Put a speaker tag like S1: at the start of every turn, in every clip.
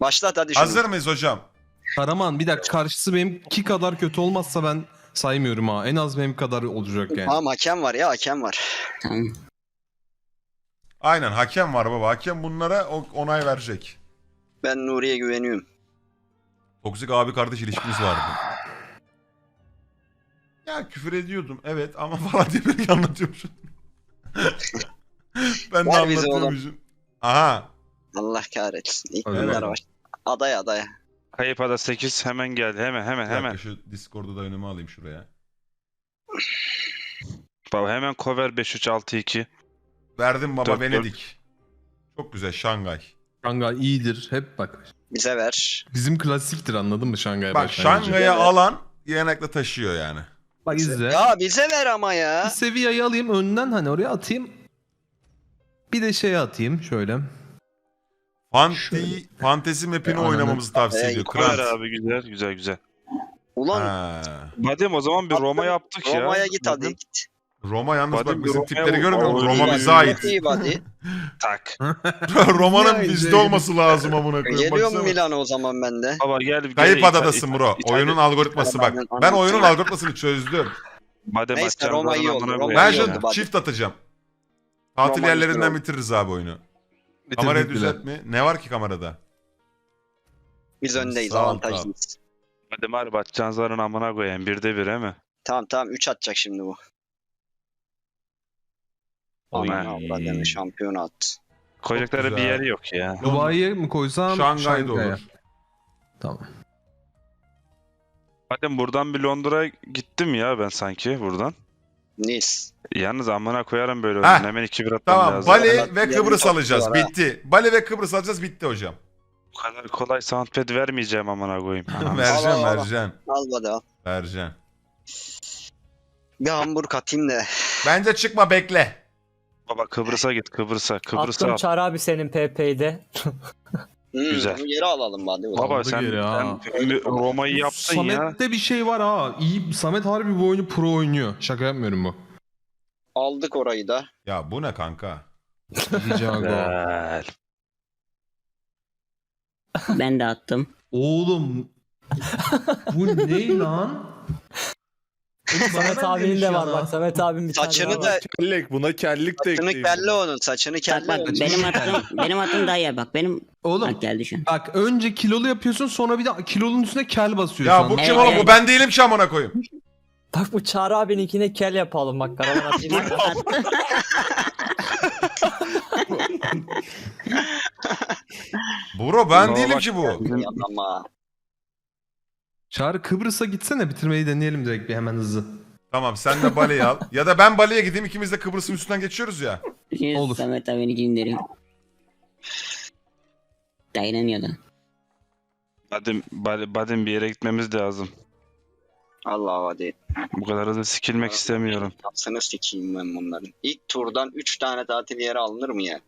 S1: Başlat hadi şunu.
S2: Hazır mıyız hocam?
S3: Karaman bir dakika, karşısı benimki kadar kötü olmazsa ben saymıyorum ha. En az benim kadar olacak yani.
S1: Tamam hakem var ya, hakem var.
S4: Tamam.
S2: Aynen, hakem var baba. Hakem bunlara onay verecek.
S1: Ben Nuri'ye güveniyorum.
S2: Toksik abi kardeş ilişkimiz vardı. Ya küfür ediyordum evet ama falan diye böyle anlatıyormuşum. Ben de
S1: Ver bizi
S2: anlatıyormuşum. Aha.
S1: Allah kahretsin. İlk
S3: Evet.
S1: bunlar var. Adaya.
S5: Kayıp ada 8 hemen geldi. Hemen.
S2: Bir dakika, şu Discord'u da önüme alayım şuraya.
S5: Baba hemen cover 5-3-6-2.
S2: Verdim baba,
S5: 4-4.
S2: Venedik. Çok güzel, Şangay.
S3: Şangay iyidir. Hep bak.
S1: Bize ver.
S3: Bizim klasiktir, anladın mı Şangay
S2: Bak
S3: başlangıcı?
S2: Şangay'a alan yanakla taşıyor yani.
S3: Bak izle.
S1: Ya bize ver ama
S3: Bir
S1: ya.
S3: Sevilla'yı alayım önden, hani oraya atayım. Bir de şeye atayım şöyle.
S2: Fantezi map'ini
S3: Ananı-
S2: oynamamızı tavsiye ediyor.
S5: Cover
S2: Krant.
S5: abi güzel.
S1: Ulan
S2: Ha.
S5: Badem o zaman bir Roma yaptık ya.
S1: Roma'ya git hadi
S5: Badem,
S1: git.
S2: Roma yalnız
S5: Badem
S2: bak bizim
S5: Roma'ya
S2: tipleri görmüyor musun?
S5: oynuyor.
S2: Roma
S1: İyi
S2: bize
S1: hadi.
S2: ait.
S1: İyi hadi.
S5: Tak.
S2: Roma'nın
S3: Ya,
S2: bizde
S3: şey-
S2: olması lazım amına koyayım.
S1: Geliyorum
S2: Baksana.
S1: Milano o zaman ben de.
S5: Baba gel.
S2: Kayıp adadasın bro. Oyunun algoritması bak.
S1: Anladım,
S2: Ben oyunun
S1: anladım.
S2: algoritmasını çözdüm.
S5: Badem
S1: Neyse,
S5: atacağım,
S1: Roma iyi
S5: bana
S1: oldu,
S5: amına
S1: Roma
S5: koyayım
S2: Ben
S1: iyi
S5: ya.
S1: oldu.
S2: şimdi
S1: bak.
S2: çift atacağım. Tatil
S1: Roma
S2: yerlerinden
S1: güzel
S2: bitiririz abi oyunu.
S3: Bitirdik
S2: Kamerayı
S3: bile.
S2: düzelt mi? Ne var ki kamerada?
S1: Biz öndeyiz,
S2: Sağ ol,
S1: avantajlıyız.
S5: Badem harbi atacağın zarın amına koyayım. 1'de 1 he mi?
S1: Tamam 3 atacak şimdi bu.
S5: Oy.
S1: Aman avradını şampiyon at.
S5: Koyacakları
S2: güzel.
S5: bir yeri yok ya.
S3: Dubai'ye mi koysam?
S2: Şangay'da
S3: Şangay'a.
S2: olur.
S3: Tamam.
S5: Badem buradan bir Londra gittim ya ben sanki buradan.
S1: Nice.
S5: Yalnız amına koyarım böyle
S2: Heh.
S5: oyunu. Hemen 2-1 atmam
S2: Tamam,
S5: lazım.
S2: Bali
S1: Evet,
S2: ve
S1: yerini
S2: Kıbrıs
S1: çok
S2: alacağız.
S1: güzel ha.
S2: Bitti. Bali ve Kıbrıs alacağız. Bitti hocam.
S5: Bu kadar kolay soundpad vermeyeceğim amına koyayım. Anam.
S2: Vereceğim,
S1: al.
S2: vereceğim.
S1: Al hadi al.
S2: Vereceğim.
S1: Bir Hamburg atayım da.
S2: Bence çıkma, bekle.
S5: Baba Kıbrıs'a git Kıbrıs'a. Kıbrıs'a
S6: Attım
S5: al.
S6: Çağrı abi senin PP'de.
S5: Güzel.
S1: Bunu geri alalım hadi. o zaman.
S5: Baba
S3: Aldı
S5: sen,
S3: geri ha.
S5: sen Roma'yı yaptın ya.
S3: Samet'te bir şey var ha. İyi, Samet harbi bu oyunu pro oynuyor. Şaka yapmıyorum bu.
S1: Aldık orayı da.
S2: Ya bu ne kanka?
S3: Jago.
S5: Güzel.
S4: Ben de attım.
S3: Oğlum. Bu ne lan? Oğlum bana
S6: Samet
S3: ben
S6: abinin
S3: demiş
S6: de
S3: ya
S6: var
S3: lan.
S6: bak. Samet abim bir tane
S1: Saçını
S6: daha
S1: da
S6: var.
S7: Kellik, buna kellik de
S1: saçını
S7: ekleyin.
S1: kelle onun. Saçını
S4: Bak
S1: kelle
S4: bak
S1: onun.
S4: benim attığım daha iyi bak. Benim
S3: Oğlum
S4: bak geldi şu an.
S3: bak, önce kilolu yapıyorsun, sonra bir de kilolun üstüne kel basıyorsun.
S2: Ya bu
S4: Evet,
S2: kim oğlum?
S4: evet.
S2: Bu ben değilim ki amına koyayım.
S6: Bak bu Çağrı abininkine kel yapalım bak. Karavan atayım.
S2: Bro ben
S5: Baba
S2: değilim
S5: bak,
S2: ki bu.
S1: Ama.
S3: Çağrı Kıbrıs'a gitsene, bitirmeyi deneyelim direkt bir hemen hızlı.
S2: Tamam, sen de Bali'yi al. Ya da ben Bali'ye gideyim, ikimiz de Kıbrıs'ın üstünden geçiyoruz ya.
S4: Şimdi
S3: Olur.
S4: Samet abini göndereyim. Dayanamıyordu.
S5: Badem bir yere gitmemiz lazım.
S1: Allah hadi.
S5: Bu kadar hızlı sikilmek istemiyorum.
S1: Yapsana sikeyim ben bunların. İlk turdan 3 tane tatil yeri alınır mı ya?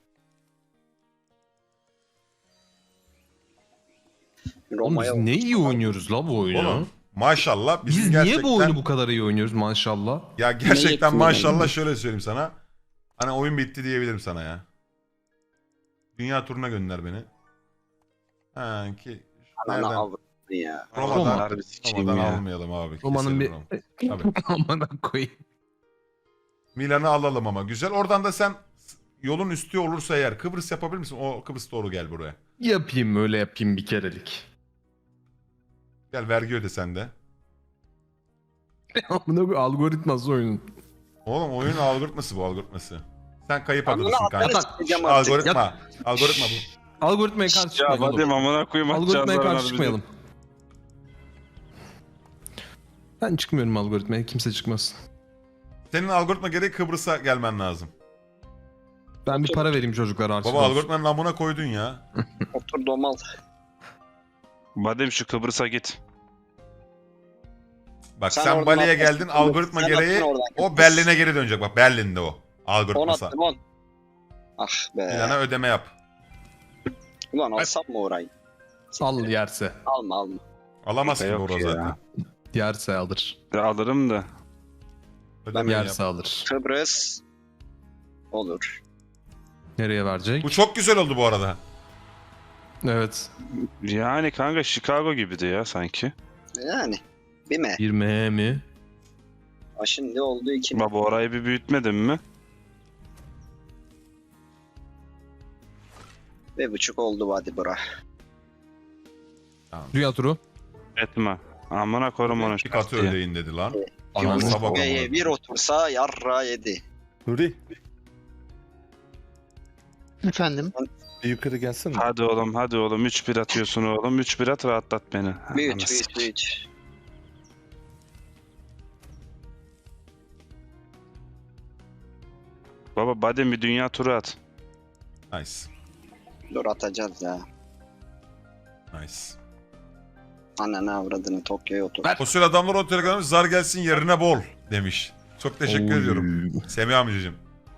S3: Oğlum biz ne iyi oynuyoruz la bu oyunu.
S2: Oğlum maşallah bizim
S3: Biz
S2: gerçekten...
S3: niye bu oyunu bu kadar iyi oynuyoruz maşallah?
S2: Ya gerçekten
S4: yetmiyor
S2: maşallah
S4: yani?
S2: şöyle söyleyeyim sana. Hani oyun bitti diyebilirim sana ya. Dünya turuna gönder beni. Ha ki
S1: Ana
S2: nereden?
S1: avradı ya.
S2: Roma'dan,
S5: Harbi sikeyim
S2: Roma'dan
S5: ya.
S2: almayalım abi.
S3: Roma'nın bir...
S2: Keselim Roma. Tabii.
S3: Amına koyayım.
S2: Milan'ı alalım ama güzel. Oradan da sen yolun üstü olursa eğer Kıbrıs yapabilir misin? O Kıbrıs doğru gel buraya.
S3: Yapayım, öyle yapayım bir kerelik.
S2: Gel vergi öde sen de.
S3: Amına koyayım, algoritması oyunun.
S2: Oğlum oyunun algoritması bu, algoritması. Sen kayıp
S1: Amına
S2: adadasın
S1: atlarız
S2: kanka.
S1: sikeceğim artık.
S2: Algoritma bu.
S3: Algoritmaya karşı
S5: Ya
S3: çıkmayalım oğlum.
S5: Badem amına koyayım
S3: Algoritmaya
S5: atacağız
S3: karşı
S5: zarın
S3: çıkmayalım. Ben çıkmıyorum algoritmaya, kimse çıkmasın.
S2: Senin algoritma gereği Kıbrıs'a gelmen lazım.
S3: Ben bir para vereyim çocuklara artık.
S2: Baba algoritmanın amına koydun ya.
S1: Otur domal.
S5: Badem şu Kıbrıs'a git.
S2: Bak
S1: Sen
S2: sen
S1: oradan
S2: Bali'ye
S1: atlasın.
S2: geldin, algoritma
S1: Sen
S2: gereği
S1: attın oradan.
S2: o Berlin'e geri dönecek. Bak Berlin'de o.
S1: 10
S2: Algoritmasa.
S1: attım 10. Ah be.
S2: Milana ödeme yap.
S1: Ulan alsam mı orayı?
S3: Al yerse.
S1: Alma.
S2: Alamazsın
S5: Yok
S2: doğru
S5: ya.
S2: zaten.
S3: Yerse alır.
S5: Ya alırım da.
S2: Ödeme yap.
S3: Yerse alır.
S1: Kıbrıs. Olur.
S3: Nereye verecek?
S2: Bu çok güzel oldu bu arada.
S3: Evet.
S5: Yani kanka Chicago gibiydi ya sanki.
S1: Yani. Bir mi?
S3: Bir M mi?
S1: Ha, şimdi oldu 2 mi?
S5: Baba orayı bir büyütmedin mi?
S1: 1,5 oldu hadi bura.
S3: Dünya turu.
S5: Etme. Amına korum onu.
S2: Bir katı ödeyin dedi lan.
S3: Ananı
S2: Yoksa
S3: s-
S2: bak
S1: Beye
S2: amına.
S1: bir otursa yarra yedi.
S7: Nuri
S8: Efendim?
S7: bir yukarı gelsene.
S5: Hadi oğlum hadi oğlum 3-1 atıyorsun oğlum. 3-1 at rahatlat beni.
S1: Büyüt
S5: Ananı
S1: büyüt
S5: sikeyim.
S1: büyüt.
S5: Baba badem bir dünya turu at.
S2: Nice.
S1: Dur atacağız ya.
S2: Nice.
S1: Ananı avradını Tokyo'ya otur.
S2: Fosil adamlar o telegramı zar gelsin yerine bol demiş. Çok teşekkür
S3: Oy.
S2: ediyorum. Semih amcacığım.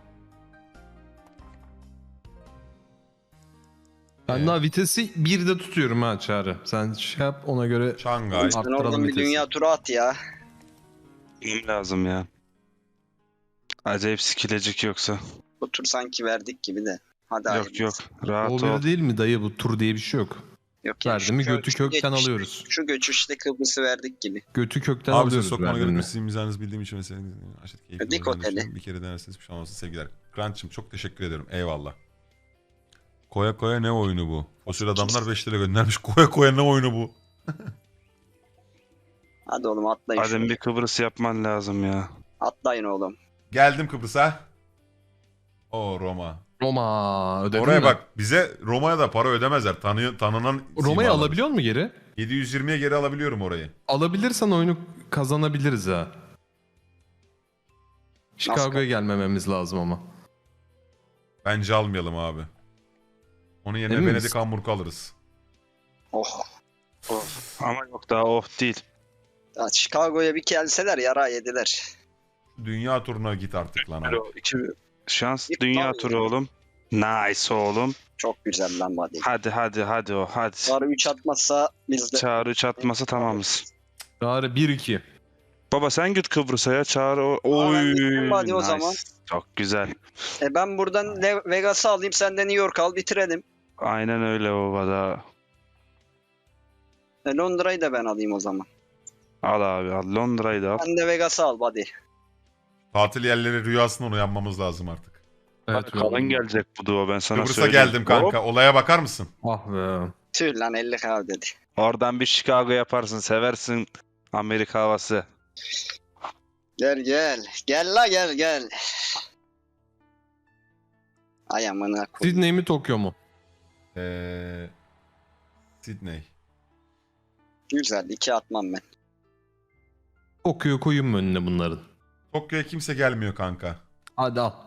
S3: Ben daha vitesi 1'de tutuyorum ha Çağrı. Sen şey yap ona göre.
S2: Şangay.
S1: Sen
S3: Arttıralım
S1: oradan bir
S3: vitesi.
S1: dünya turu at ya.
S5: Benim lazım ya. Acayip sikilecek yoksa.
S1: Bu tur sanki verdik gibi de. Hadi
S5: Yok
S1: hayırlısı.
S5: yok. Rahat
S3: O
S5: ol.
S3: bir değil mi dayı, bu tur diye bir şey yok.
S1: Yok ya,
S3: Verdi mi
S1: şu
S3: götü kökten
S1: geçişte-
S3: alıyoruz.
S1: Şu göçüşte Kıbrıs'ı verdik gibi.
S3: Götü kökten
S2: Abi size
S3: alıyoruz
S2: sokmana
S3: verdi
S2: gerek
S3: mi?
S2: yok. Sizin mizahınızı bildiğim için mesela aşırı keyifli
S1: Dik
S2: olacağını
S1: oteli.
S2: düşünüyorum. Bir kere denerseniz bir şey olmazsa sevgiler. Grant'cığım çok teşekkür ederim. Eyvallah. Koya koya ne oyunu bu? Fosil adamlar 5 lira göndermiş. Koya koya ne oyunu bu?
S1: Hadi oğlum atlayın
S5: Badem
S1: şuraya.
S5: bir Kıbrıs yapman lazım ya.
S1: Atlayın oğlum.
S2: Geldim Kıbrıs'a. O Roma.
S3: Roma ödedin
S2: Oraya
S3: mi?
S2: bak, bize Roma'ya da para ödemezler. Tanınan
S3: Roma'yı
S2: simalar.
S3: alabiliyor mu geri?
S2: 720'ye geri alabiliyorum orayı.
S3: Alabilirsen oyunu kazanabiliriz ha. Chicago'ya gelmememiz lazım ama.
S2: Bence almayalım abi. Onun yerine
S3: Emin
S2: Venedik
S3: misin?
S2: Hamburg alırız.
S1: Oh.
S5: Ama yok daha oh değil.
S1: Ya Chicago'ya bir gelseler yara yediler.
S2: Dünya turuna git artık lan abi.
S5: Şans
S1: Yık
S5: dünya
S1: lan.
S5: turu oğlum. Nice oğlum.
S1: Çok güzel lan hadi.
S5: Hadi o hadi.
S1: Sarı 3 atmazsa biz de.
S5: Çağrı çatması tamamız.
S3: Çağrı 1-2.
S5: Baba sen git Kıbrıs'a ya Çağrı.
S1: ben
S5: Oy.
S1: gittim hadi o zaman.
S5: Çok güzel.
S1: Ben buradan Vegas'ı alayım, sen de New York al, bitirelim.
S5: Aynen öyle baba da.
S1: Londra'yı da ben alayım o zaman.
S5: Al abi al. Londra'yı da al.
S1: Sen de Vegas'ı al hadi.
S2: Tatil yerleri rüyasından uyanmamız lazım artık.
S3: Evet,
S5: Kalın gelecek bu duo ben sana
S2: Kıbrıs'a
S5: söyleyeyim.
S2: geldim kanka. Olaya bakar mısın?
S3: Ah be.
S1: Tüh lan 50K dedi.
S5: Oradan bir Chicago yaparsın seversin Amerika havası.
S1: Gel gel. Gel la gel gel. Ay amına koyayım.
S3: Sydney mi Tokyo mu?
S2: Sydney.
S1: Güzel 2 atmam ben.
S3: Tokyo'yu koyayım mı önüne bunların?
S2: Tokyo'ya kimse gelmiyor kanka.
S3: Hadi al.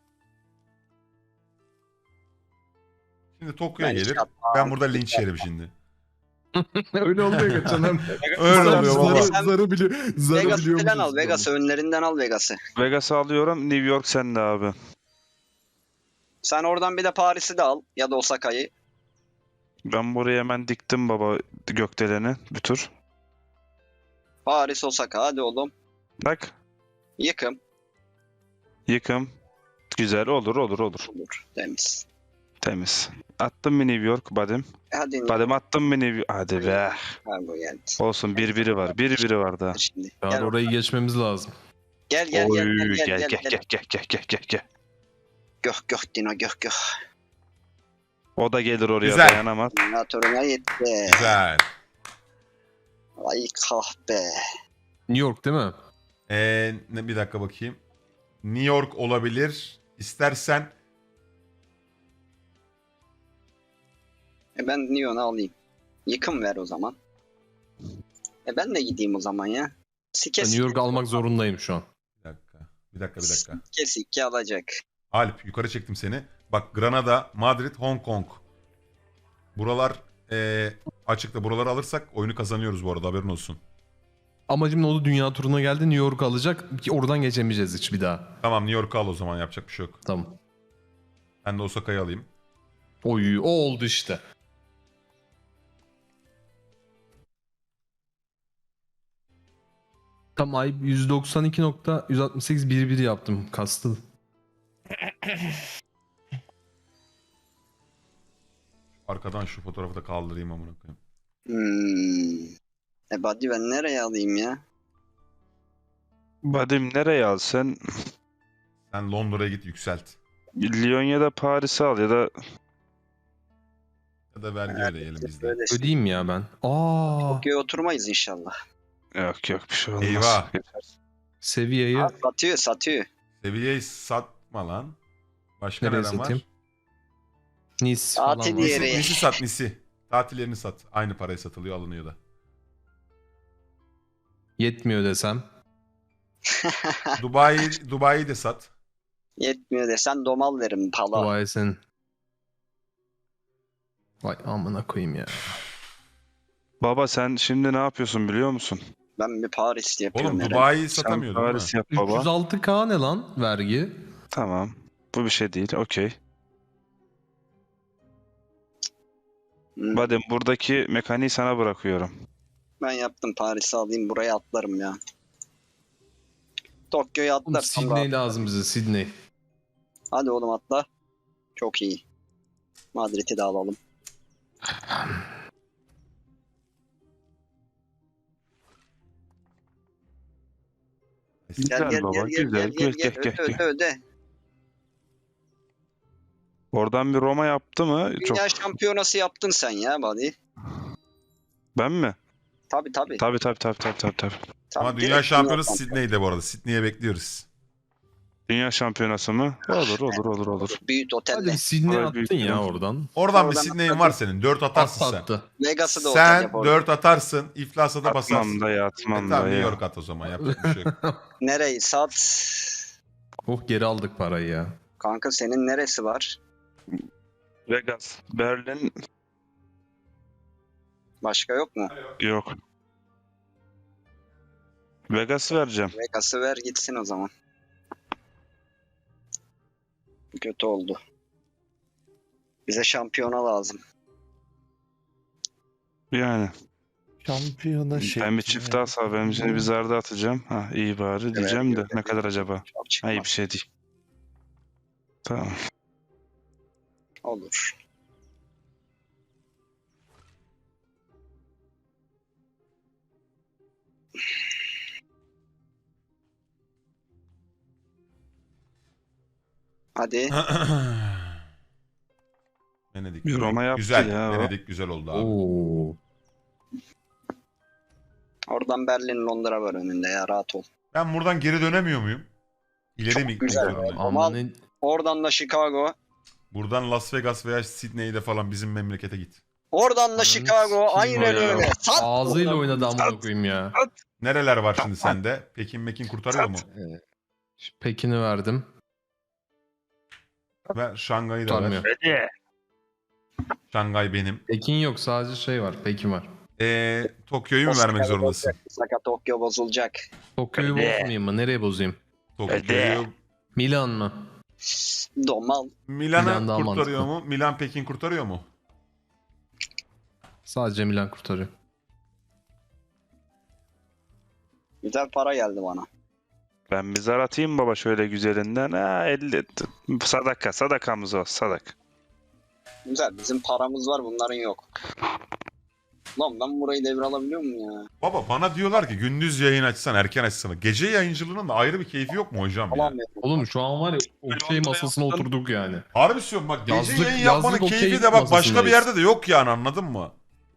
S2: Şimdi Tokyo'ya
S1: Ben
S2: gelir.
S1: iki atmam.
S2: Ben burada linç yerim şimdi.
S3: Öyle olmuyor geçenler.
S2: Öyle oluyor baba.
S3: Zarı biliyor. Zarı
S1: Vegas'ı
S3: biliyor
S1: falan al.
S3: musunuz?
S1: Vegas'ı önlerinden al Vegas'ı.
S5: Vegas'ı alıyorum New York sende abi.
S1: Sen oradan bir de Paris'i de al. Ya da Osaka'yı.
S5: Ben buraya hemen diktim baba gökdeleni bir tur.
S1: Paris Osaka hadi oğlum.
S5: Bak
S1: Yıkım.
S5: yıkım. Güzel olur.
S1: Olur. Temiz.
S5: Temiz. Attım mı New York Badem?
S1: Hadi
S5: Badem attım mı New York? Hadi be.
S1: Kargo geldi.
S5: Olsun 1-1'i var. 1-1'i var daha.
S1: Şimdi.
S3: Çağrı
S1: Gel,
S3: orayı geçmemiz lazım.
S1: gel gel
S5: Oy,
S1: gel gel
S5: gel.
S1: Göh Dino göh.
S5: O da gelir oraya
S2: Güzel.
S5: dayanamaz.
S1: Motoruna gitti.
S2: Güzel.
S1: Ay kahpe.
S3: New York değil mi?
S2: Bir dakika bakayım. New York olabilir. İstersen
S1: Ben Neon'u alayım. Yıkım ver o zaman. Ben de gideyim o zaman ya. Sike
S3: Ben New York almak zorundayım şu an.
S2: bir dakika.
S1: Sike alacak.
S2: Alp yukarı çektim seni. Bak Granada, Madrid, Hong Kong. Buralar açıkta. Buraları alırsak oyunu kazanıyoruz bu arada, haberin olsun.
S3: Amacım ne oldu? Dünya turuna geldi. New York alacak. Ki oradan geçemeyeceğiz hiç bir daha.
S2: Tamam, New York'u al o zaman, yapacak bir şey yok.
S3: Tamam.
S2: Ben de Osaka'yı alayım.
S3: Oy, o oldu işte. Tam ay 192.168 1-1 yaptım. Kastım.
S2: Arkadan şu fotoğrafı da kaldırayım amına koyayım.
S1: Buddy ben nereye alayım ya?
S5: Vadim nereye al sen?
S2: Sen Londra'ya git yükselt.
S5: Lyon ya da Paris'i al ya da
S2: Ya da vergi ödeyelim biz de.
S1: Böyle
S3: Ödeyeyim ya ben.
S1: Tokyo'ya oturmayız inşallah.
S5: yok bir şey olmaz.
S2: Eyvah.
S3: Seviyeyi
S1: Ha, satıyor.
S2: Seviyeyi satma lan. Başka
S3: nereye
S2: neden var?
S3: satayım? Nice falan
S1: Tatil
S3: var.
S1: yeri.
S2: Nisi sat Nisi. Tatillerini sat. Aynı paraya satılıyor alınıyor da.
S3: Yetmiyor desem.
S2: Dubai'yi de sat.
S1: Yetmiyor desen domal verim pala.
S3: Vay sen. Vay amına koyayım ya.
S5: Baba sen şimdi ne yapıyorsun biliyor musun?
S1: Ben bir Paris yapıyorum.
S2: Oğlum
S1: herhalde.
S2: Dubai'yi
S5: Sen
S2: satamıyordun değil mi?
S5: Paris yap baba.
S3: 306k ne lan vergi?
S5: Tamam. Bu bir şey değil. Okey. Vadim buradaki mekaniği sana bırakıyorum.
S1: Ben yaptım Paris'i alayım buraya atlarım ya. Tokyo'ya
S3: Oğlum
S1: atlarsam
S3: Sydney
S1: rahat.
S3: lazım bize Sydney.
S1: Hadi oğlum atla. Çok iyi. Madrid'i de alalım.
S5: Güzel baba. Güzel. Gel.
S1: Öde.
S5: Oradan bir Roma yaptı mı? Çok.
S1: Dünya şampiyonası yaptın sen ya buddy.
S5: Ben mi?
S1: Tabii.
S5: Tabii.
S2: Ama
S1: Tabii,
S2: dünya
S1: direkt
S2: şampiyonası
S1: dünya
S2: Sydney'de bu arada. Sydney'e bekliyoruz.
S5: Dünya şampiyonası mı? Olur.
S1: Büyük
S3: Hadi
S1: otelle.
S3: bir Sydney
S5: Oraya
S3: attın
S5: büyük
S3: ya
S5: bir-
S3: oradan.
S2: Oradan bir
S1: Oradan
S2: Sydney'in
S1: atladım.
S2: var senin. 4 atarsın sen.
S3: Attı.
S1: Vegas'ı da otel
S2: Sen
S1: yap orada.
S2: 4 atarsın. İflasa da basarsın.
S5: Atmam da ya.
S2: Tamam New York at o zaman. Yapacak bir şey yok.
S1: Nereyi sat?
S3: Oh geri aldık parayı ya.
S1: Kanka senin neresi var?
S5: Vegas. Berlin
S1: Başka yok mu?
S5: yok. Vegas'ı vereceğim.
S1: Vegas'ı ver gitsin o zaman. Kötü oldu. Bize şampiyona lazım.
S5: Yani.
S7: Şampiyona şey.
S5: Ben bir çift daha sağ. Ben seni bir zarda atacağım. Ha iyi bari diyeceğim de. Ne kadar acaba?
S1: Çok
S5: Ha
S1: çıkmaz.
S5: iyi bir şey değil. Tamam.
S1: Olur. Hadi.
S2: Venedik.
S5: Bir Roma yaptı
S2: güzel.
S5: ya o.
S2: Venedik güzel oldu abi.
S3: Oo.
S1: Oradan Berlin, Londra var önünde ya rahat ol.
S2: Ben buradan geri dönemiyor muyum? İleri
S1: Çok
S2: mi gitmek
S1: güzel.
S2: zorundayım?
S3: Ama
S1: Aman. Oradan da Chicago.
S2: Buradan Las Vegas veya Sydney'de falan bizim memlekete git.
S1: Oradan da Chicago.
S3: sikeyim
S1: Aynen
S3: o ya.
S1: öyle. Sat.
S3: ağzıyla oynadı amına koyayım ya.
S2: Nereler var şimdi sende? Pekin kurtarıyor mu?
S3: Pekin'i verdim.
S2: Ver Şangay'ı da ver.
S3: Tutarmıyor.
S2: Şangay benim.
S3: Pekin yok sadece şey var. Pekin var.
S2: Tokyo'yu mu vermek zorundasın?
S1: Osaka Tokyo bozulacak.
S3: Tokyo'yu bozmayayım mı? Nereye bozayım?
S2: Tokyo'yu...
S3: Milan mı?
S1: Domal.
S3: Milan
S2: Milan'ı
S3: daha
S2: kurtarıyor
S3: mantıklı.
S2: mu? Milan Pekin kurtarıyor mu?
S3: Sadece Milan kurtarıyor.
S1: Güzel para geldi bana.
S5: Ben bir zar atayım baba şöyle güzelinden. Ha 50. Sadakamız o. Sadak.
S1: Güzel. Bizim paramız var bunların yok. Lan ben burayı devralabiliyor muyum ya?
S2: Baba bana diyorlar ki gündüz yayın açsan erken açsana. Gece yayıncılığının da ayrı bir keyfi yok mu hocam ya?
S1: Alamıyorum.
S3: Oğlum şu an var ya okey masasına oturduk yani.
S2: Harbi söylüyorum bak gece
S3: Yazlık-
S2: yayın yapmanın
S3: yazlık okey
S2: keyfi de bak başka bir
S3: masasındayız.
S2: yerde de yok yani anladın mı?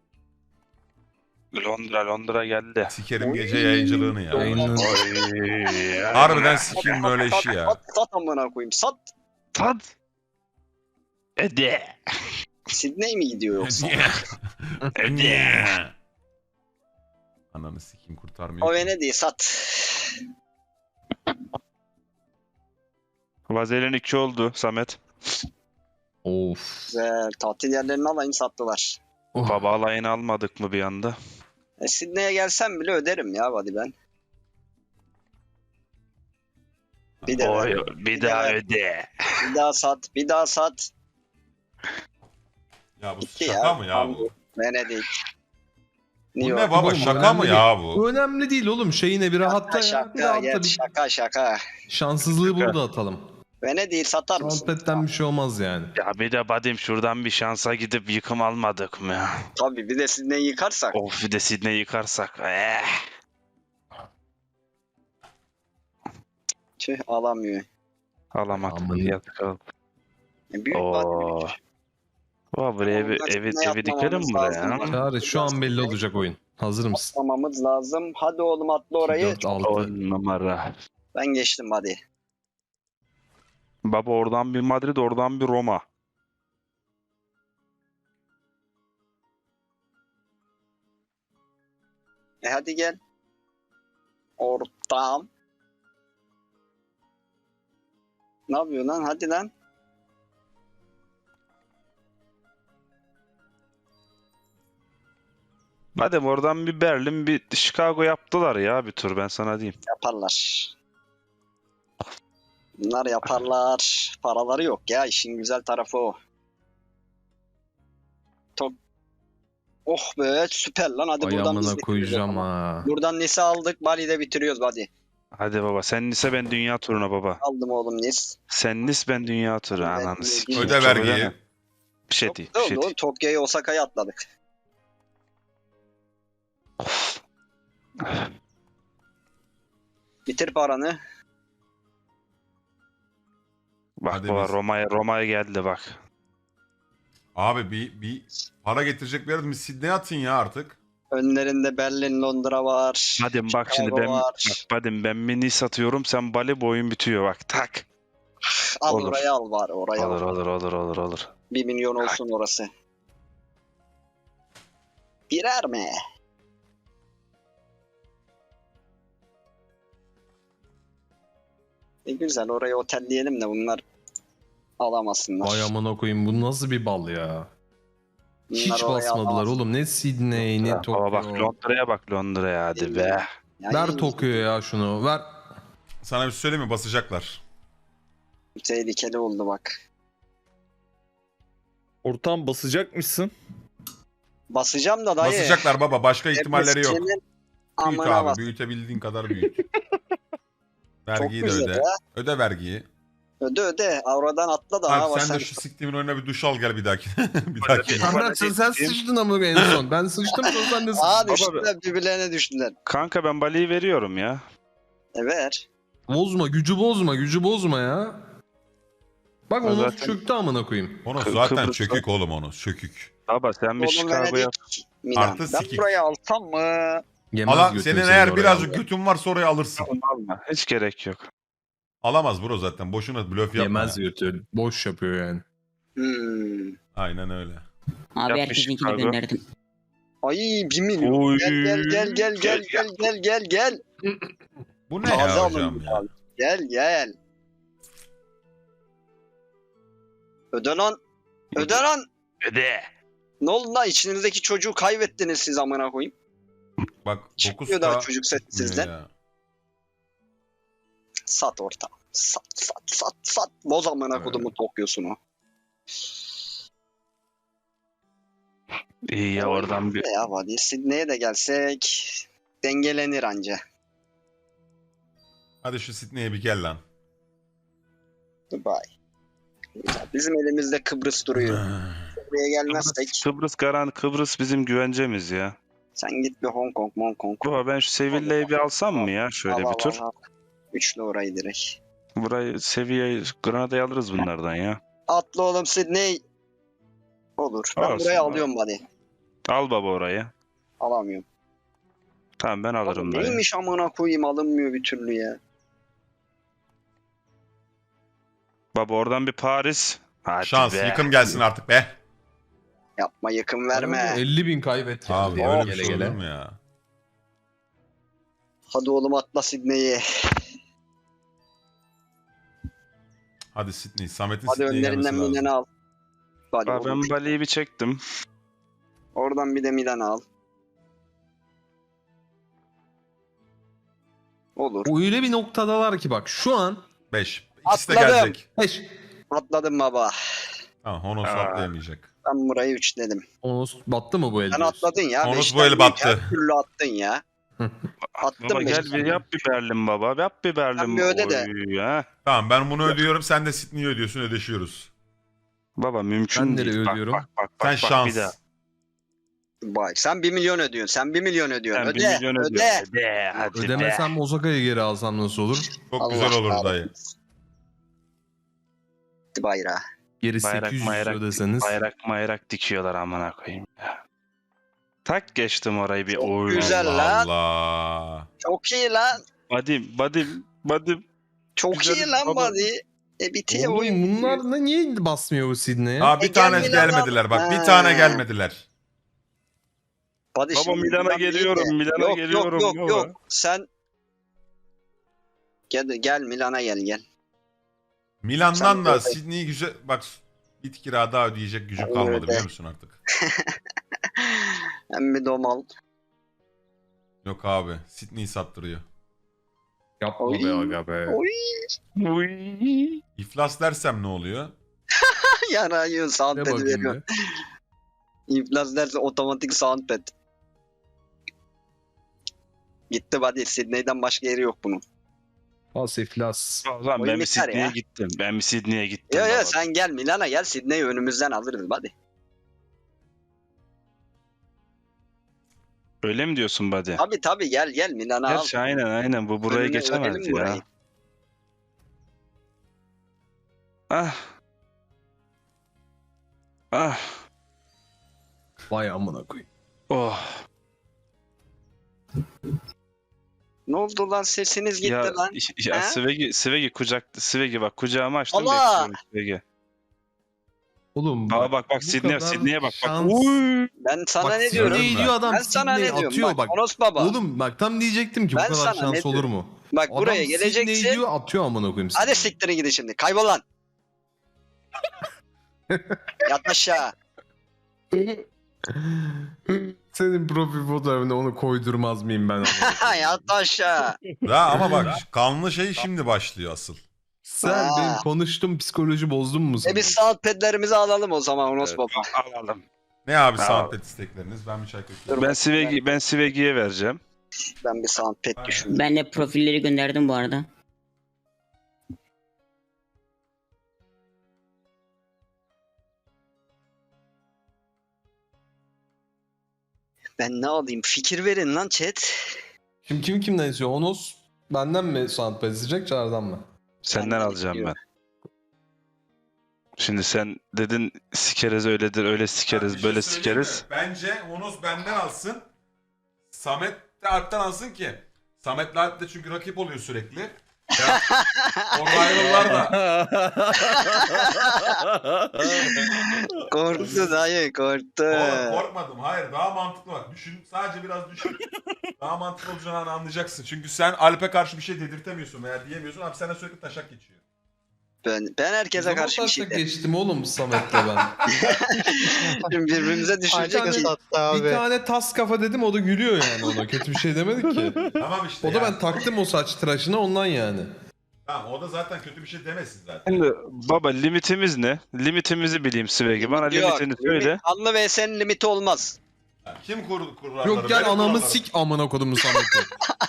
S5: Londra geldi.
S2: Sikerim gece yayıncılığını ya.
S3: Yayının
S2: Harbiden sikeyim böyle işi ya.
S1: Sat amına koyayım. Sat.
S5: Tad. Ede.
S1: Sydney mi gidiyor yoksa?
S2: Ananı sikeyim kurtarmıyor.
S1: O
S2: ki.
S1: Venedik'i sat.
S5: Vazelin 2 oldu Samet.
S3: of.
S1: Güzel. Tatil yerlerini alayım sattılar.
S3: Oh.
S5: Baba alayını almadık mı bir anda?
S1: Sydney'e gelsem bile öderim ya hadi ben. Bir de ver.
S5: Bir daha öde.
S1: Bir daha sat. Bir daha sat.
S2: Ya bu
S1: Gitti
S2: şaka
S1: ya.
S2: mı ya bu?
S1: Venedik.
S2: Bu
S1: New
S2: ne
S1: York.
S2: baba
S3: Oğlum,
S2: şaka mı
S3: önemli
S2: ya bu?
S3: Bu önemli değil oğlum. Şeyine bir rahatta ya. Bir
S1: Şaka
S3: rahatta
S1: geç.
S3: bir
S1: Şaka.
S3: şanssızlığı burada atalım.
S1: Venedik'i satar mısın?
S3: Sohbetten bir şey olmaz yani.
S5: Ya bir de Badim şuradan bir şansa gidip yıkım almadık mı ya?
S1: Tabii bir de Sydney'i yıkarsak.
S5: Of bir de Sydney yıkarsak.
S1: Tüh alamıyor.
S5: Alamadık.
S3: Aman.
S5: Yazık oldu.
S1: Büyük
S5: Oo.
S1: Vadi.
S5: Buraya bir
S1: Ondan
S5: evi
S1: Sydney
S5: dikelim
S1: atmamamız
S5: buraya.
S1: lazım.
S3: Çağrı şu an belli olacak oyun. Hazır mısın?
S1: Atmamamız lazım. Hadi oğlum atla orayı.
S3: 4, 6.
S5: 10 numara.
S1: Ben geçtim hadi.
S5: Baba oradan bir Madrid, oradan bir Roma.
S1: Hadi gel. Ortam. Ne yapıyor lan? Hadi lan.
S5: Madem oradan bir Berlin, bir Chicago yaptılar ya bir tur ben sana diyeyim.
S1: Yaparlar. Bunlar yaparlar. Paraları yok ya. İşin güzel tarafı o. Top. Oh be süper lan. Hadi buradan
S3: Ayağımına
S1: biz bitiriyoruz
S3: koyacağım
S1: o zaman.
S3: ha.
S1: Buradan Nice aldık. Bali'de bitiriyoruz hadi.
S5: Hadi baba sen Nice ben dünya turuna baba.
S1: Aldım oğlum Nice.
S5: Sen Nice ben dünya turu
S1: Ben
S5: ananı
S1: de-
S5: sikeyim.
S2: Öde
S5: Çok
S2: vergiyi.
S5: ödeme. Bir şey
S1: Çok
S5: değil,
S1: güzel
S5: bir şey
S1: oldu
S5: değil.
S1: oğlum. Tokyo'yu Osaka'ya atladık. Bitir paranı.
S5: Bak
S2: Hadi
S5: baba
S2: biz.
S5: Roma'ya geldi bak.
S2: Abi bir para getirecek bir yerimiz Sydney'e atın ya artık.
S1: Önlerinde Berlin, Londra var.
S5: Badim bak şimdi
S1: Chicago
S5: ben
S1: var.
S5: bak Badim ben bir Nice atıyorum sen Bali boyun bitiyor bak tak.
S1: Al
S5: olur.
S1: oraya al var. Oraya
S5: Olur
S1: al.
S5: olur.
S1: 1 milyon olsun orası. Birer mi? Güzel oraya otelleyelim de bunlar alamasınlar.
S3: Vay amına koyayım bu nasıl bir bal ya.
S1: Bunlar
S3: Hiç
S1: oraya
S3: basmadılar
S1: alamaz.
S3: oğlum. Ne Sydney ne
S5: Baba bak
S3: Tokyo.
S5: Londra'ya bak Londra'ya hadi be.
S1: Ya
S3: Ver
S1: iyi,
S3: Tokyo'ya ya şunu. Ver.
S2: Sana bir şey söyleyeyim mi? Basacaklar.
S1: tehlikeli oldu bak.
S7: Ortam basacakmışsın.
S1: Basacağım da dayı.
S2: Basacaklar baba. Başka ihtimalleri yok.
S1: Senin
S2: Büyüt
S1: amına
S2: abi.
S1: bas.
S2: Büyütebildiğin kadar büyüt. Vergiyi de
S1: güzel
S2: öde.
S1: ya.
S2: Öde vergiyi.
S1: Öde. Avradan atla da.
S2: Abi sen de şu siktimin önüne bir duş al gel bir dahaki. bir dahaki.
S3: Sen sıçtın ama en son. Ben sıçtım sonra sen de sıçtın.
S1: Aa düştüler birbirlerine düştüler.
S5: Kanka ben Bali'yi veriyorum ya.
S1: Evet.
S3: Bozma gücü bozma ya. Bak
S5: O
S3: onu
S5: zaten-
S3: çöktü amına koyayım.
S2: Onu zaten
S5: Kıbrıs'ta-
S2: sökük oğlum onu. Sökük.
S5: Baba sen bir
S1: Oğlum
S5: Chicago'ya
S1: Venedik, Milan.
S2: Artı
S1: Ben
S2: sikik.
S1: burayı alsam mı?
S3: Yemez
S2: Alan
S3: götünü
S2: senin
S3: seni
S2: eğer
S3: oraya
S2: birazcık
S3: al.
S2: götün varsa orayı alırsın.
S5: alma. Hiç gerek yok.
S2: Alamaz bro zaten. Boşuna blöf yapma.
S3: Yemez götü. Boş yapıyor yani.
S2: Aynen öyle.
S4: Abi
S5: Yapmış
S4: herkesinkini
S5: Chicago.
S4: gönderdim.
S1: Ay 1 milyon.
S5: Oy.
S1: Gel.
S2: Bu ne
S1: Taze
S2: ya
S1: alın
S2: hocam ya?
S1: Gel. Öde lan.
S5: Öde.
S1: Ne oldu lan içinizdeki çocuğu kaybettiniz siz amına koyayım.
S2: Bak
S1: Çıkmıyor daha
S2: 9K
S1: çocuk set
S2: çıkmıyor
S1: sizden.
S2: ya.
S1: Sat orta. Sat. Boz amına
S3: Evet.
S1: kodumu Tokyo'sunu.
S5: İyi ya oradan bir
S1: Ya hadi Sydney'e de gelsek dengelenir anca.
S2: Hadi şu Sydney'e bir gel lan.
S1: Dubai. Güzel. Bizim elimizde Kıbrıs duruyor. Buraya gelmezsek
S5: Kıbrıs bizim güvencemiz ya.
S1: sen git bir Hong Kong.
S5: Baba ben şu Sevilla'yı bir alsam mı ya şöyle
S1: Al,
S5: bir tur.
S1: al. Üçlü orayı direkt.
S5: Burayı Sevilla'yı Granada'yı alırız bunlardan ya.
S1: Atla oğlum Sydney. Olur. Ben
S5: Olsun
S1: burayı
S5: abi.
S1: alıyorum hadi.
S5: Al baba orayı.
S1: Alamıyorum.
S5: Tamam ben alırım
S1: Oğlum,
S5: dayı.
S1: neymiş amına koyayım alınmıyor bir türlü ya.
S5: Baba oradan bir Paris. Hadi
S2: Şans
S5: be.
S2: yıkım gelsin artık be.
S1: Yapma yakın verme.
S3: 50.000 kaybet ya.
S2: Abi
S3: Ya,
S2: öyle
S3: gele
S2: bir şey
S3: gele.
S2: olur mu ya?
S1: Hadi oğlum atla Sydney'i.
S2: Hadi Sydney. Samet'in
S1: Hadi
S2: Sydney'e gelmesi
S1: önlerinden
S2: lazım.
S1: Milan'ı al. Hadi
S5: Baba
S1: oğlum.
S5: ben Bali'yi bir çektim.
S1: Oradan bir de Milan'ı al. Olur.
S3: Öyle bir noktadalar ki bak şu an
S2: 5. İkisi de
S1: Atladım.
S2: gelecek.
S3: 5.
S1: Atladım baba.
S2: Tamam Honos
S5: Aa.
S2: atlayamayacak.
S1: Ben burayı 3 dedim.
S3: Onos battı mı bu el?
S1: Sen
S3: diyorsun?
S1: atladın ya.
S2: Onus
S1: beşten
S2: bu el
S1: değil,
S2: battı.
S1: Her türlü attın ya. Attım
S5: Baba
S1: mı?
S5: gel bir yap bir Berlin baba. Yap bir Berlin.
S1: Sen bir öde de.
S5: Oy, ha.
S2: Tamam ben bunu ödüyorum. Sen de Sydney'i ödüyorsun. Ödeşiyoruz.
S5: Baba mümkün
S3: Ben
S5: değil.
S3: nereye
S5: Bak,
S3: ödüyorum?
S5: bak
S2: Sen şans.
S5: bir daha.
S1: Bak sen 1 milyon ödüyorsun. Sen 1 milyon ödüyorsun.
S5: Sen
S1: Öde.
S5: 1 milyon
S1: öde.
S5: ödüyorsun. Öde. Hadi
S3: Ödemesem Osaka'yı geri alsam nasıl olur?
S2: Çok
S1: Allah
S2: güzel olur
S1: kahretsin.
S2: dayı.
S1: Bayrağı.
S3: Geri
S5: Bayrak,
S3: 800
S5: bayrak,
S3: ödeseniz.
S5: Bayrak dikiyorlar amına koyayım ya. Tak geçtim orayı bir oy.
S1: güzel.
S2: Allah
S1: lan.
S2: Allah.
S1: Çok iyi lan.
S5: Badim.
S1: Çok
S5: Güzel
S1: iyi lan
S5: baba.
S1: buddy. Bitiyor
S3: Oğlum
S1: oyun.
S3: bunlar da niye basmıyor bu Sydney'e?
S2: Ha bir
S1: gel
S2: tane
S1: Milan'a.
S2: gelmediler bak. Bir
S1: Ha.
S2: tane gelmediler.
S1: Buddy
S5: Baba
S1: şimdi
S5: Milan'a
S1: Milan değil
S5: geliyorum,
S1: de.
S5: Milan'a
S1: Yok,
S5: geliyorum
S1: Yok
S5: baba.
S1: yok. Sen gel Milan'a gel.
S2: Milan'dan
S1: Sen
S2: da
S1: öde.
S2: Sydney'i güzel bak bir kira daha ödeyecek gücüm kalmadı
S1: Öde.
S2: biliyor musun artık?
S1: Hem bir domal.
S2: Yok abi Sydney'i sattırıyor.
S3: Yapma
S1: Oy.
S3: be aga be.
S1: Oy.
S2: İflas dersem ne oluyor?
S1: Yarayıyor
S3: Ne
S1: soundpad'i
S3: bakayım
S1: veriyor.
S3: be.
S1: İflas derse otomatik soundpad. Gitti buddy. Sydney'den başka yeri yok bunun.
S3: Pas iflas.
S5: O zaman
S1: Oyun
S5: ben bir
S1: biter
S5: Sydney'e
S1: ya.
S5: gittim. Ben bir Sydney'e gittim.
S1: Yo
S5: baba.
S1: sen gel Milan'a gel. Sydney'i önümüzden alırız buddy.
S5: Öyle mi diyorsun buddy?
S1: Tabii gel Milan'a al.
S5: Gerçi aynen bu buraya
S1: Önüne
S5: geçemez
S1: örelim
S5: ya.
S1: burayı.
S5: Ah. Ah.
S3: Vay amına koyayım.
S5: Oh.
S1: Ne oldu lan sesiniz gitti
S5: Ya,
S1: lan.
S5: ya
S1: Ha?
S5: Svegi bak kucağıma açtım
S1: Allah!
S5: bekliyorum Svegi.
S3: Oğlum
S5: Bak
S3: bu kadar
S5: Sydney'e bak.
S3: şans-
S5: Uy.
S1: Ben sana
S3: Bak
S1: ne diyorum?
S3: Sydney diyor adam
S1: Ben sana ne
S3: Sydney
S1: diyorum?
S3: atıyor
S1: Bak,
S3: bak.
S1: Onos baba.
S3: Oğlum bak tam diyecektim ki bu
S1: Ben
S3: kadar
S1: sana
S3: şans
S1: ne
S3: olur mu?
S1: Bak buraya
S3: Adam
S1: geleceksin.
S3: Sydney diyor atıyor amına koyayım.
S1: Hadi siktirin gidin şimdi. Kaybol lan. Yat aşağı.
S3: Senin profil fotoğrafına onu koydurmaz mıyım ben? amına koyayım?
S1: Yat aşağı.
S2: Ya ama bak kanlı şey şimdi başlıyor asıl.
S3: Sen
S1: Aa.
S3: benim konuştum psikoloji bozdun mu sen?
S1: Biz soundpad'lerimizi alalım o zaman Onos baba.
S5: Alalım.
S2: Ne abi
S5: Tamam.
S2: soundpad istekleriniz? Ben bir çay köşeye.
S5: Ben Svegi'ye vereceğim.
S1: Ben bir soundpad düşündüm.
S4: Ben de profilleri gönderdim bu arada.
S1: Ben ne alayım? Fikir verin lan chat.
S3: Şimdi kim kimden istiyor? Onos benden mi soundpad isteyecek Çağrı'dan mı?
S5: Senden
S1: Benden
S5: alacağım
S1: istiyor.
S5: ben. Şimdi sen dedin sikeriz öyledir öyle sikeriz
S2: Bir
S5: böyle
S2: şey söyleyeyim mi?
S5: sikeriz.
S2: Bence Onos benden alsın. Samet de Alp'ten alsın ki. Samet'le Alp de çünkü rakip oluyor sürekli. Ya, orada ayrılırlar da.
S1: Korktu dayı korktu.
S2: Oğlum korkmadım. Hayır daha mantıklı bak. Düşün. Sadece biraz düşün. Daha mantıklı olacağını anlayacaksın. Çünkü sen Alp'e karşı bir şey dedirtemiyorsun veya diyemiyorsun. Alp sana sürekli taşak geçiyor.
S1: Ben herkese karşı bir şey
S3: Zaten
S1: derim.
S3: geçtim oğlum Samet'le ben.
S1: Şimdi birbirimize düşürecek
S3: Aynen.
S1: ki.
S3: Bir tane tas kafa dedim o da gülüyor yani ona. Kötü bir şey demedik ki.
S2: Tamam işte.
S3: O da
S2: yani.
S3: ben taktım o saç tıraşına ondan yani.
S2: Tamam o da zaten kötü bir şey demesin zaten.
S5: Şimdi baba limitimiz ne? Limitimizi bileyim Svegi. Bana limitini söyle.
S1: Anlı vs'nin limiti olmaz.
S2: Kim kuralları?
S3: Yok gel
S2: Benim
S3: anamı
S2: kurallarım.
S3: sik amına kodumu Samet'i.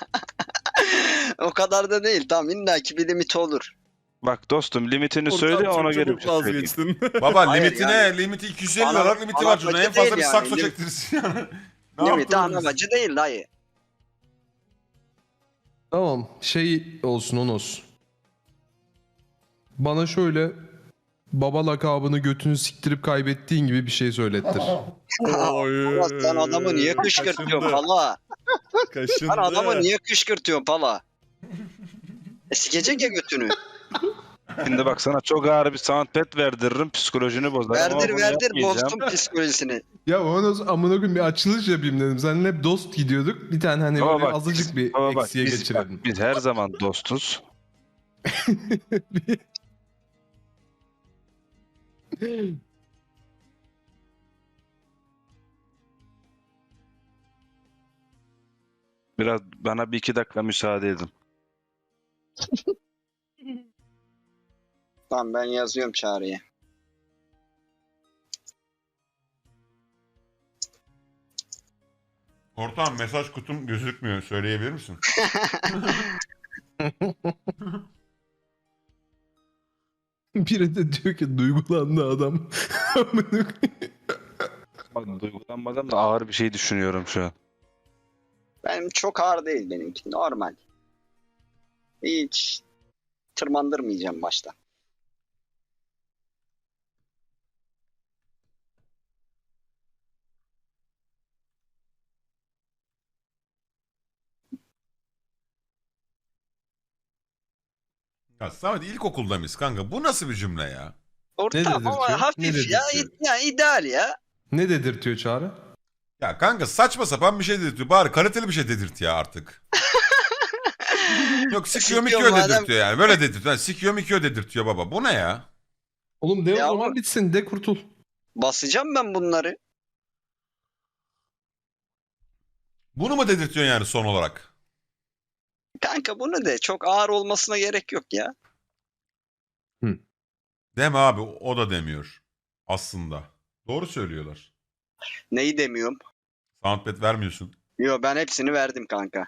S1: O kadar da değil. Tamam illaki bir limiti olur.
S5: Bak dostum limitini söyle ona göre bir şey söyleyeyim.
S7: vazgeçtin.
S2: Baba
S1: Hayır
S2: limitine
S1: yani.
S2: limiti 250
S1: Ana-
S2: liralık limiti
S1: ana
S2: var çocuğun. En
S1: bacı
S2: fazla bir
S1: değil
S2: sakso
S1: yani.
S2: çektirirsin yani. Ne
S1: Limiti
S2: yaptınız?
S1: anlamacı değil dayı.
S3: Tamam şey olsun Onos. Bana şöyle baba lakabını götünü siktirip kaybettiğin gibi bir şey söylettir.
S1: Ama sen adamı niye kışkırtıyorsun pala?
S7: Kaşındı.
S1: Sen adamı niye kışkırtıyorsun pala? Sikecek ya götünü.
S5: Şimdi bak sana çok ağır bir soundpad verdiririm psikolojini bozarım. ama
S1: Verdir
S5: bunu
S1: verdir
S5: yapmayacağım.
S1: bozdum psikolojisini.
S3: Ya Onos amına koyayım bir açılış yapayım dedim. Seninle hep dost gidiyorduk. Bir tane hani
S5: Ama
S3: böyle
S5: bak,
S3: azıcık bir
S5: Ama bak,
S3: eksiye geçirelim.
S5: biz her zaman dostuz. Biraz bana bir iki dakika müsaade edin.
S1: Tamam ben yazıyorum çağrıya.
S2: Ortağım mesaj kutum gözükmüyor. Söyleyebilir misin?
S3: Biri de diyor ki duygulandı adam.
S5: Bak, duygulanmadan da ağır bir şey düşünüyorum şu an.
S1: Benim çok ağır değil benimki. Normal. Hiç tırmandırmayacağım başta.
S2: Ya Samet ilkokulda mıyız kanka? Bu nasıl bir cümle ya?
S1: Ortam
S3: dedirtiyor?
S1: ama
S3: Ne
S1: hafif ya.
S3: dedirtiyor?
S1: Ya ideal ya.
S3: Ne dedirtiyor Çağrı?
S2: Ya kanka saçma sapan bir şey dedirtiyor. Bari kaliteli bir şey dedirt ya artık. Yok sikiyor
S1: Sikiyor
S2: mikiyor
S1: madem.
S2: dedirtiyor yani. Böyle dedirtiyor. Yani sikiyor mikiyor dedirtiyor baba. Bu ne ya?
S3: Oğlum de o
S1: Ya
S3: zaman
S1: ama-
S3: bitsin de kurtul.
S1: Basacağım ben bunları.
S2: Bunu mu dedirtiyorsun yani son olarak?
S1: Kanka bunu de çok ağır olmasına gerek yok ya.
S2: Deme abi o da demiyor. Aslında. Doğru söylüyorlar.
S1: Neyi demiyorum.
S2: Soundpad vermiyorsun.
S1: Yo ben hepsini verdim kanka.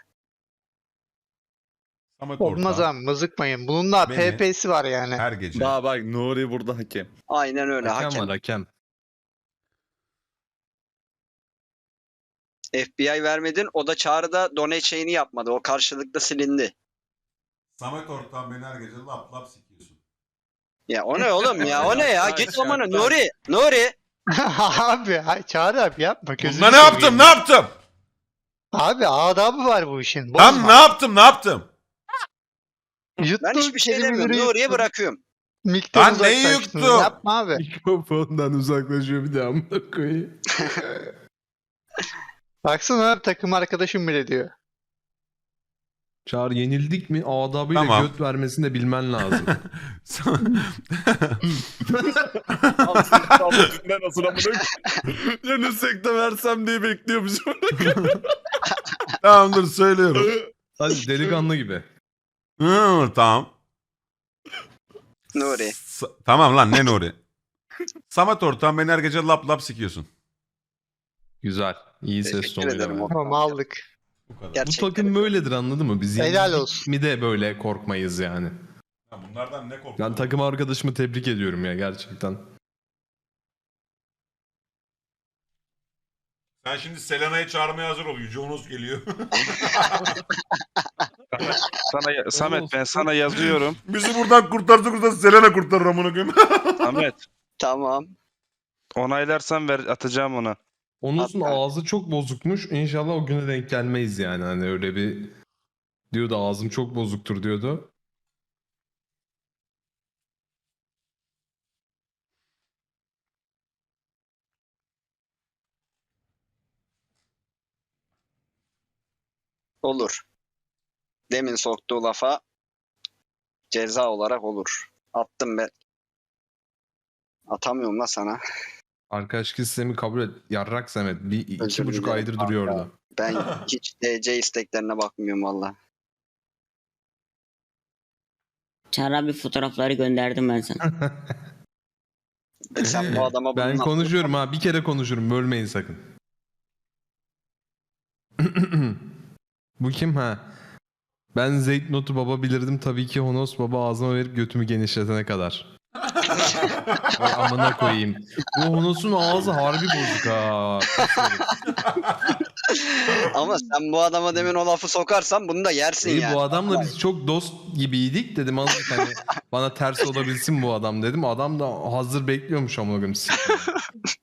S2: Samet
S8: Olmaz
S2: ortağım
S8: abi mızıkmayın. Bunun da
S2: Beni-
S8: PP'si var yani.
S2: her gece.
S7: Daha bak Nuri burada hakem.
S1: Aynen öyle
S3: Hakem
S1: hakem.
S3: var hakem.
S1: FBI vermedin. O da çağrıda donate şeyini yapmadı. O karşılıklı silindi.
S2: Samet ortağım beni her gece lap lap sikiyorsun.
S1: Ya o ne oğlum ya? O ne ya?
S7: Yaklaş,
S1: Git amına
S7: yaklaş.
S1: Nuri. Nuri.
S8: Abi Çağrı abi yapma. Gözünü
S2: Bunda ne yaptım
S8: seveyim.
S2: ne yaptım?
S8: Abi adabı var bu işin.
S2: Tam
S8: Bozma.
S2: ne yaptım ne yaptım?
S8: Yuttuğun
S1: Ben hiçbir şey
S8: kelimeleri
S1: demiyorum. Nuri'ye
S8: yuttun.
S1: bırakıyorum.
S8: Mikten
S2: Lan neyi
S8: uzaklaştın.
S2: yuttum?
S8: Yapma abi.
S3: Mikrofondan uzaklaşıyor bir de amına koyayım.
S8: Baksana abi takım arkadaşım bile diyor.
S3: Çağrı yenildik mi adabıyla
S2: Tamam.
S3: göt vermesini de bilmen lazım.
S7: Abi sen tam dünden nasıl amına Yenilsek de versem diye bekliyormuşum.
S2: Tamam dur söylüyorum.
S3: Hadi delikanlı gibi.
S2: Tamam.
S1: Nuri.
S2: Tamam lan ne Nuri? Samet ortağım beni her gece lap lap sikiyorsun.
S3: Güzel. İyi ses
S1: Teşekkür
S3: tonuyla.
S1: ederim.
S3: yani.
S8: Tamam aldık.
S2: Bu kadar.
S3: Bu
S1: Gerçekten.
S3: takım böyledir anladın mı? Biz
S8: Helal
S3: yenildik
S8: olsun.
S3: mi de böyle korkmayız yani.
S2: Ya bunlardan ne korktun?
S3: Ben takım arkadaşımı tebrik ediyorum ya gerçekten.
S2: Sen şimdi Selena'yı çağırmaya hazır ol. Yüce Onos geliyor.
S5: Samet ben sana yazıyorum.
S2: Bizi buradan kurtarsa Selena kurtarır amına koyayım.
S5: Samet
S1: Tamam.
S5: onaylarsan ver atacağım ona.
S3: Onus'un
S1: Hatta-
S3: ağzı çok bozukmuş. İnşallah o güne denk gelmeyiz yani. Hani öyle bir diyordu ağzım çok bozuktur diyordu.
S1: Olur. Demin soktuğu lafa ceza olarak olur. Attım ben. Atamıyorum la sana.
S3: Arkadaşlık sistemi kabul et. Yarrak Samet. Bir
S1: Özür
S3: 2,5
S1: dilerim
S3: aydır
S1: kanka.
S3: duruyor orada.
S1: Ben hiç DC isteklerine bakmıyorum valla.
S4: Çağrı abi fotoğrafları gönderdim ben sana.
S1: Sen bu adama
S3: Ben
S1: bunu
S3: konuşuyorum ha. Bir kere konuşurum. Bölmeyin sakın. Bu kim ha? Ben Zeyt Notu baba bilirdim tabii ki Honos baba ağzıma verip götümü genişletene kadar. Vay amına koyayım. Bu Honos'un ağzı harbi bozuk ha.
S1: Ama sen bu adama demin o lafı sokarsan bunu da yersin
S3: İyi,
S1: yani.
S3: bu adamla biz çok dost gibiydik dedim azıcık hani bana ters olabilsin bu adam dedim. Adam da hazır bekliyormuş amına koyayım.